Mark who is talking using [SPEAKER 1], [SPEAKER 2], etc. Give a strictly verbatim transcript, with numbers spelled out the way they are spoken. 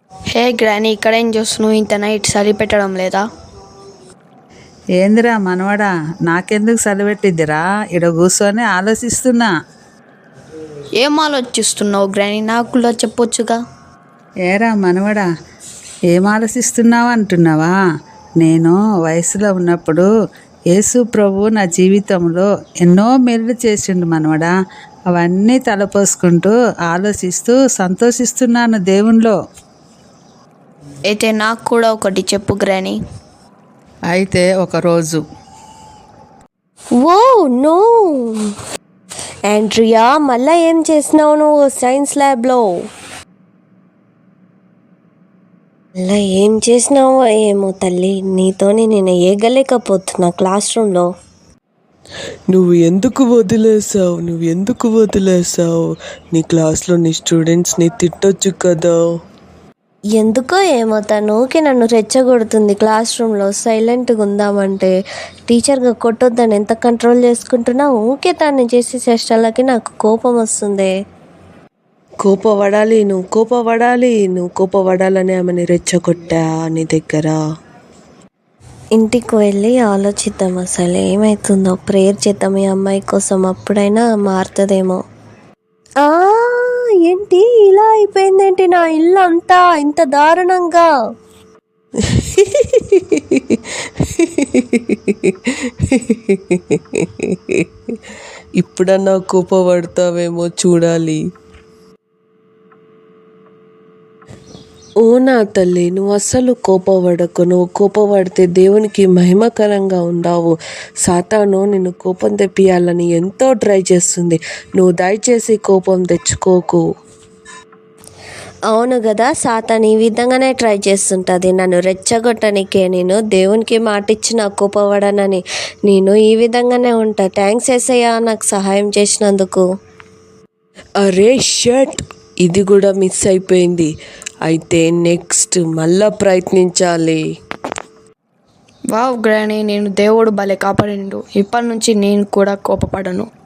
[SPEAKER 1] హే granny, ఇక్కడేం చేస్తున్నావు? ఇంత నైట్ చలి పెట్టడం లేదా?
[SPEAKER 2] ఏందిరా మనవడా, నాకెందుకు సలిపెట్టిద్దిరా? ఇడ కూర్చొని ఆలోచిస్తున్నా.
[SPEAKER 1] ఏం ఆలోచిస్తున్నావు గ్రానీ? నాకు కూడా చెప్పొచ్చుగా.
[SPEAKER 2] ఏరా మనవడా, ఏం ఆలోచిస్తున్నావు అంటున్నావా? నేను వయసులో ఉన్నప్పుడు యేసు ప్రభు నా జీవితంలో ఎన్నో మేలు చేసిండు మనవడా. అవన్నీ తలపోసుకుంటూ ఆలోచిస్తూ సంతోషిస్తున్నాను దేవునిలో.
[SPEAKER 1] అయితే నాకు కూడా ఒకటి చెప్పు గ్రానీ.
[SPEAKER 2] అయితే ఒకరోజు
[SPEAKER 3] ఓ నో ఆండ్రియా, మళ్ళా ఏం చేసినావు నువ్వు సైన్స్ ల్యాబ్లో? మళ్ళా ఏం చేసినావో ఏమో తల్లి, నీతోని నేను ఏగలేకపోతున్నా క్లాస్ రూమ్లో.
[SPEAKER 4] నువ్వు ఎందుకు వదిలేసావు నువ్వు ఎందుకు వదిలేసావు నీ క్లాస్లో నీ స్టూడెంట్స్ని తిట్టొచ్చు కదా.
[SPEAKER 3] ఎందుకో ఏమో తను ఊకే నన్ను రెచ్చగొడుతుంది క్లాస్ రూమ్లో. సైలెంట్గా ఉందామంటే టీచర్గా కొట్టొద్దని ఎంత కంట్రోల్ చేసుకుంటున్నా, ఊకే తను చేసే చేష్టలకి నాకు కోపం వస్తుంది.
[SPEAKER 4] కోపపడాలి నువ్వు కోపపడాలి నువ్వు కోపపడాలని ఆమెని రెచ్చగొట్టా నీ దగ్గర.
[SPEAKER 3] ఇంటికి వెళ్ళి ఆలోచిద్దాం అసలు ఏమవుతుందో. ప్రేయర్ చేద్దాం ఈ అమ్మాయి కోసం, అప్పుడైనా మారుతుందేమో. ఆ ఏంటి ఇలా అయిపోయిందేంటి నా ఇల్లు అంతా ఇంత దారుణంగా?
[SPEAKER 4] ఇప్పుడన్నా కోపపడతావేమో చూడాలి. ఓ నా తల్లి, నువ్వు అస్సలు కోపపడకు. నువ్వు కోపపడితే దేవునికి మహిమకరంగా ఉండవు. సాతాను నిన్ను కోపం తెప్పియాలని ఎంతో ట్రై చేస్తుంది. నువ్వు దయచేసి కోపం తెచ్చుకోకు.
[SPEAKER 3] అవును కదా, సాతాన్ ఈ విధంగానే ట్రై చేస్తుంటుంది నన్ను రెచ్చగొట్టనికే. నేను దేవునికి మాట ఇచ్చిన కోపపడనని. నేను ఈ విధంగానే ఉంటా. థ్యాంక్స్ యేసయ్యా నాకు సహాయం చేసినందుకు.
[SPEAKER 4] అరే షట్, ఇది కూడా మిస్ అయిపోయింది. అయితే నెక్స్ట్ మళ్ళా ప్రయత్నించాలి.
[SPEAKER 1] వావ్ గ్రానీ, నేను దేవుడు భలే కాపాడిండు. ఇప్పటి నుంచి నేను కూడా కోపపడను.